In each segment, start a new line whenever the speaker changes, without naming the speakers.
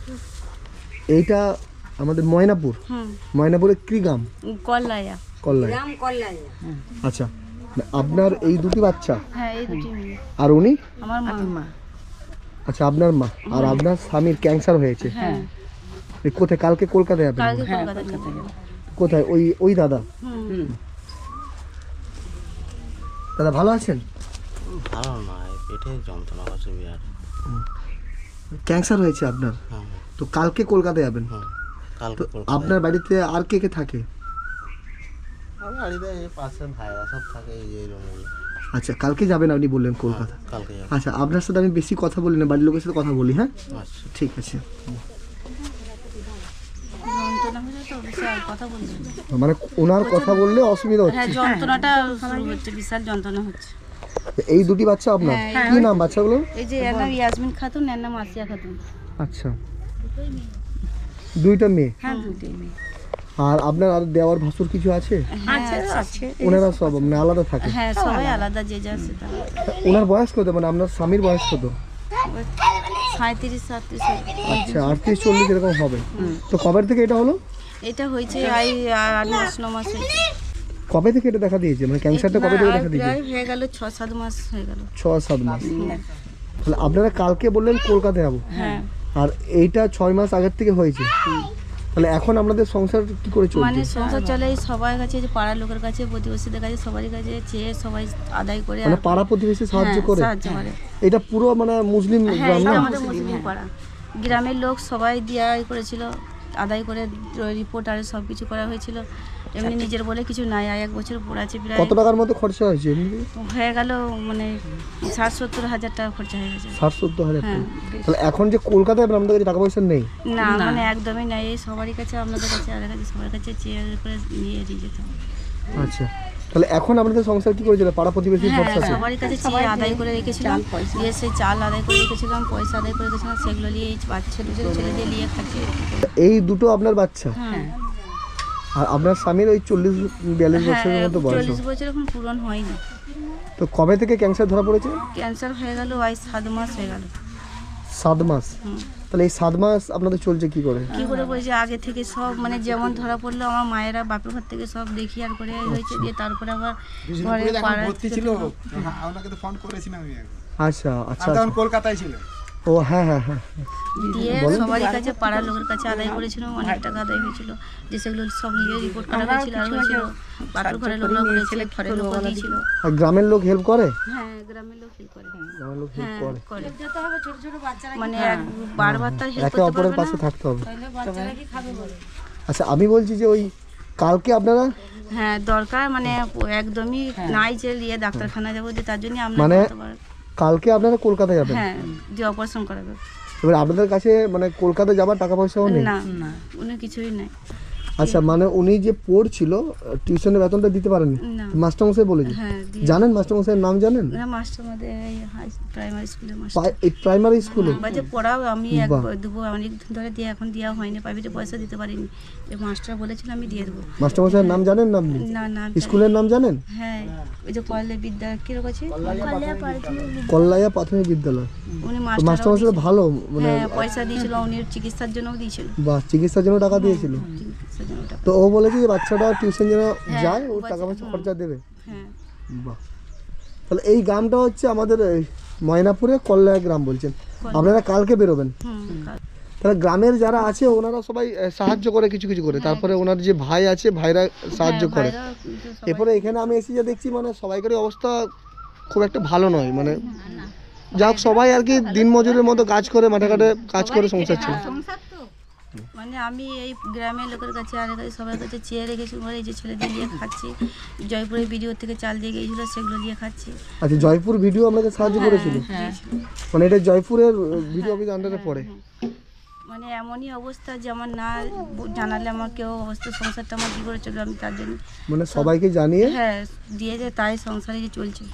এইটা আমাদের ময়নাপুর। ময়নাপুরের কি গ্রাম?
কল্লায়া।
কল্লায়া। আচ্ছা, আপনার এই দুটি বাচ্চা?
হ্যাঁ, এই দুটি মেয়ে।
আর উনি?
আমার মা।
আচ্ছা, আপনার মা। আর আপনার স্বামীর ক্যান্সার হয়েছে?
হ্যাঁ।
কোথায়? কালকে কলকাতায় যাবেন?
কালকে কলকাতায় যাবো।
কোথায়? ওই দাদা? দাদা ভালো আছেন?
ভালো নয়, পেটে যন্ত্রণা হচ্ছে বিরাট।
ক্যান্সার হয়েছে আপনার? তো কালকে কলকাতায় যাবেন?
কালকে
আপনার বাড়িতে আর কে কে থাকে?
আমার বাড়িতে এই পাশে ভাইরা সব থাকে, এই রুমগুলো।
আচ্ছা, কালকে যাবেন আপনি বললেন কলকাতা?
কালকে যাবো।
আচ্ছা, আপনার সাথে আমি বেশি কথা বলি না, বাড়ির লোকের সাথে কথা বলি। হ্যাঁ,
আচ্ছা,
ঠিক আছে।
যন্ত্রণা হচ্ছে তো বিশাল, কথা বলছি।
মানে ওনার কথা বললে অসুবিধা
হ্যাঁ,
হচ্ছে?
যন্ত্রণাটা শুরু হচ্ছে, বিশাল যন্ত্রণা হচ্ছে।
এই দুটি বাচ্চা আপনার? কি নাম বাচ্চাগুলো?
এই যে এর নাম ইয়াসমিন খাতুন, এর নাম আসিয়া খাতুন।
আচ্ছা, দুইটা মেয়ে?
হ্যাঁ, দুটোই মেয়ে।
আর আপনার আর দেওয়ার ভাসুর কিছু আছে?
আছে।
ওনারা সব মানে আলাদা থাকে?
হ্যাঁ, সবাই আলাদা, যে যা সেটা।
ওনার বয়স কত? মানে আপনার স্বামীর বয়স কত?
37-37।
আচ্ছা, 38-40 এরকম হবে। তো কবে থেকে এটা হলো?
এটা হয়েছে 8-9 মাস হয়েছে।
কবে থেকে এটা দেখা দিয়েছে? মানে ক্যান্সারটা কবে থেকে দেখা দিয়েছে?
প্রায় হয়ে গেল 6-7 মাস হয়ে গেল।
6-7 মাস। তাহলে আপনারা কালকে বললেন কলকাতায় যাবো,
হ্যাঁ।
আর এইটা 6 মাস আগের থেকে হয়েছে। তাহলে এখন আপনাদের সংসার কি করে চলছে?
মানে সংসার চলে এই সবার কাছে, যে পাড়ার লোকের কাছে, প্রতিবেশীদের কাছে, সবারই কাছে চেয়ে সবাই আদায় করে,
মানে পাড়া প্রতিবেশী সাহায্য করে?
সাহায্য করে।
এটা পুরো মানে মুসলিম
হ্যাঁ,
গ্রাম
এটা
না?
আমাদের মুসলিম পাড়া। গ্রামের লোক সবাই দিয়া করেছিল, আদায় করে রিপোর্ট আর সব কিছু করা হয়েছিল। এমনি নিজের বলে কিছু নাই, 1 বছর পর আছে প্রায়।
কত টাকার মতো খরচা হয়েছে এমনি?
হয়ে গেল মানে 60-70 হাজার টাকা খরচা হয়ে গেছে।
60-70 হাজার টাকা?
হ্যাঁ।
তাহলে এখন যে কলকাতায় আপনাদের কাছে টাকা পয়সা নেই?
না, মানে একদমই নাই। এই সবারই কাছে, আপনাদের কাছে, আর কাছে, সবার কাছে চেয়ে করে নিয়ে যেতে হবে।
আচ্ছা, তাহলে এখন আপনাদের সংসার কি করে চলে? পাড়া প্রতিবেশীর
হ্যাঁ,
ভরসা?
সবারই কাছে চেয়ে আদায় করে রেখেছিলাম, দিয়ে সেই চাল আদায় করে রেখেছিলাম, পয়সা আদায় করে রেখেছিলাম, সেগুলো নিয়ে এই বাচ্চা দুটো ছেলে দিয়ে নিয়ে খাচ্ছি।
এই দুটো আপনার বাচ্চা?
হ্যাঁ।
আর আপনার স্বামীর ওই 40-42 বছরের মতো বয়স?
40 বছর এখন পূরণ হয়নি।
তো কবে থেকে ক্যান্সার ধরা পড়েছে?
ক্যান্সার হয়ে গেল 7 মাস হয়ে গেল।
7 মাস? তাহলে এই 7 মাস আপনাদের চলছে কি করে?
কি করে বলছে, আগে থেকে সব মানে যেমন ধরা পড়লো, আমার মায়েরা বাপের ঘর থেকে সব দেখি আর করে হয়েছে, দিয়ে তারপরে আবার ঘরে পাড়া
ছিল, আপনাকে তো ফোন করেছিলাম আমি একবার।
আচ্ছা আচ্ছা।
তখন কলকাতায় ছিল।
ও হ্যাঁ হ্যাঁ হ্যাঁ।
দিয়ে সবারই কাছে, পাড়ার লোকের কাছে আদায় করেছিল, অনেক টাকা আদায় হয়েছিল, যে সেগুলো সব নিয়ে রিপোর্ট করা হয়েছিল, আর হয়েছিল বাপের ঘরে লোকরা করেছে, ঘরের লোক দিয়েছিল।
আর গ্রামের লোক হেল্প করে?
হ্যাঁ, গ্রামের লোক হেল্প করে।
গ্রামের লোক হেল্প
হ্যাঁ,
করে।
করে। মানে বারবার তার হেল্প
একে
করতে
অপরের
পারবে
পাশে
না।
থাকতে হবে। আচ্ছা, আমি বলছি যে ওই কালকে আপনারা
হ্যাঁ, দরকার মানে একদমই নাই যে নিয়ে ডাক্তারখানা যাবো, যে তার জন্য আমরা
মানে
করতে পারি।
কালকে আপনারা কলকাতা যাবেন?
হ্যাঁ, যে অপারেশন করাবে।
এবার আপনাদের কাছে মানে কলকাতা যাবার টাকা পয়সাও নেই?
না, উনি কিছুই নাই।
আচ্ছা, মানে উনি যে পড়ছিল টিউশনের বেতনটা দিতে পারেননি?
না।
মাস্টারমশাই বলেছে?
হ্যাঁ,
জানেন মাস্টারমশাইয়ের নাম জানেন?
না, মাস্টার আমাদের প্রাইমারি স্কুলের মাস্টার।
এই প্রাইমারি স্কুলে?
বাজে পড়াও, আমি দেবো অনেক দিন ধরে দিয়ে, এখন দেওয়া হয়নি, প্রাইভেটে পয়সা দিতে পারিনি, যে মাস্টার বলেছিল আমি দিয়ে দেবো।
মাস্টারমশাইয়ের নাম জানেন না আপনি?
না না।
স্কুলের নাম জানেন?
হ্যাঁ, ওই যে কলেজ বিদ্যা কিরকম আছে,
কল্লাইয়া প্রাথমিক বিদ্যালয়।
উনি
মাস্টারমশাই ভালো মানে?
হ্যাঁ, পয়সা দিয়েছিল, উনি চিকিৎসার জন্যও দিয়েছিল।
বা চিকিৎসার জন্য টাকা দিয়েছিল?
চিকিৎসার জন্য টাকা।
তো ও বলেছে যে বাচ্চাটা টিউশন যেন যায়, ও টাকা পয়সা খরচা দেবে?
হ্যাঁ।
বাহ। তাহলে এই গ্রামটা হচ্ছে আমাদের এই ময়নাপুরে কল্যায়া গ্রাম বলছেন। আপনারা কালকে বেরোবেন? তাহলে গ্রামের যারা আছে ওনারা সবাই সাহায্য করে কিছু কিছু করে, তারপরে ওনার যে ভাই আছে ভাইরা সাহায্য করে। এরপরে এখানে আমি এসে যা দেখছি মানে সবাইকারই অবস্থা খুব একটা ভালো নয়, মানে যাক সবাই আর কি দিনমজুরের মতো কাজ করে, মাঠে ঘাটে কাজ করে সংসার ছিল।
মানে আমি এই গ্রামের লোকের কাছে আর কাছে সবার কাছে চেয়ে রেখেছি, এই যে ছেলে দিয়ে নিয়ে খাচ্ছি, জয়পুরের ভিডিও থেকে চাল দিয়ে গিয়েছিল, সেগুলো দিয়ে খাচ্ছি।
আচ্ছা, জয়পুর ভিডিও আপনাকে সাহায্য করেছিল? মানে এটা জয়পুরের ভিডিও অফিস আন্ডারে পড়ে?
মানে এমনই অবস্থা যে আমার না জানালে আমার কেউ অবস্থা, সংসারটা আমার কী করে চলবে, আমি তার জন্য
মানে সবাইকে জানিয়ে?
হ্যাঁ, দিয়ে যে তাই সংসারে যে চলছে।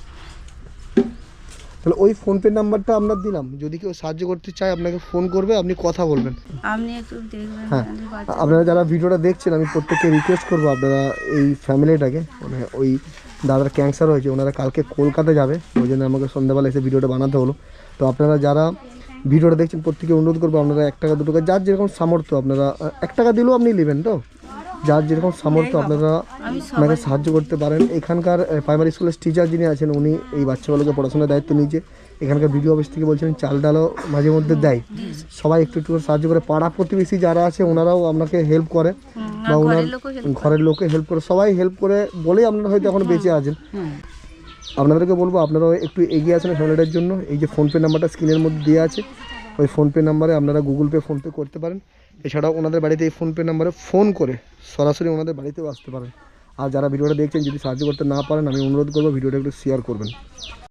তাহলে ওই ফোনপে নাম্বারটা আমরা দিলাম, যদি কেউ সাহায্য করতে চায় আপনাকে ফোন করবে, আপনি কথা বলবেন।
আপনি একটু দেখবেন।
হ্যাঁ, আপনারা যারা ভিডিওটা দেখছেন আমি প্রত্যেককে রিকোয়েস্ট করবো আপনারা এই ফ্যামিলিটাকে, মানে ওই দাদার ক্যান্সার হয়েছে, ওনারা কালকে কলকাতা যাবে, ওই জন্য আমাকে সন্ধ্যাবেলা এসে ভিডিওটা বানাতে হলো। তো আপনারা যারা ভিডিওটা দেখছেন প্রত্যেকে অনুরোধ করবো আপনারা 1 টাকা 2 টাকা যার যেরকম সামর্থ্য, আপনারা 1 টাকা দিলেও আপনি নেবেন তো, যার যেরকম সামর্থ্য আপনারা ওনাকে সাহায্য করতে পারেন। এখানকার প্রাইমারি স্কুলের টিচার যিনি আছেন উনি এই বাচ্চাগুলোকে পড়াশোনার দায়িত্ব নিয়েছে। এখানকার ভিডিও অফিস থেকে বলছেন চাল ডালও মাঝে মধ্যে দেয়, সবাই একটু একটু করে সাহায্য করে। পাড়া প্রতিবেশী যারা আছে ওনারাও আপনাকে হেল্প করে বা ওনার ঘরের লোকে হেল্প করে, সবাই হেল্প করে বলেই আপনারা হয়তো এখন বেঁচে আছেন। আপনাদেরকে বলবো আপনারাও একটু এগিয়ে আসেন ফ্যামিলিটার জন্য। এই যে ফোনপে নাম্বারটা স্ক্রিনের মধ্যে দেওয়া আছে, ওই ফোনপে নাম্বারে আপনারা গুগল পে ফোনপে করতে পারেন। এছাড়াও ওনাদের বাড়িতে এই ফোনপে নাম্বারে ফোন করে সরাসরি ওনাদের বাড়িতেও আসতে পারেন। আর যারা ভিডিওটা দেখছেন যদি সাহায্য করতে না পারেন আমি অনুরোধ করবো ভিডিওটা একটু শেয়ার করবেন।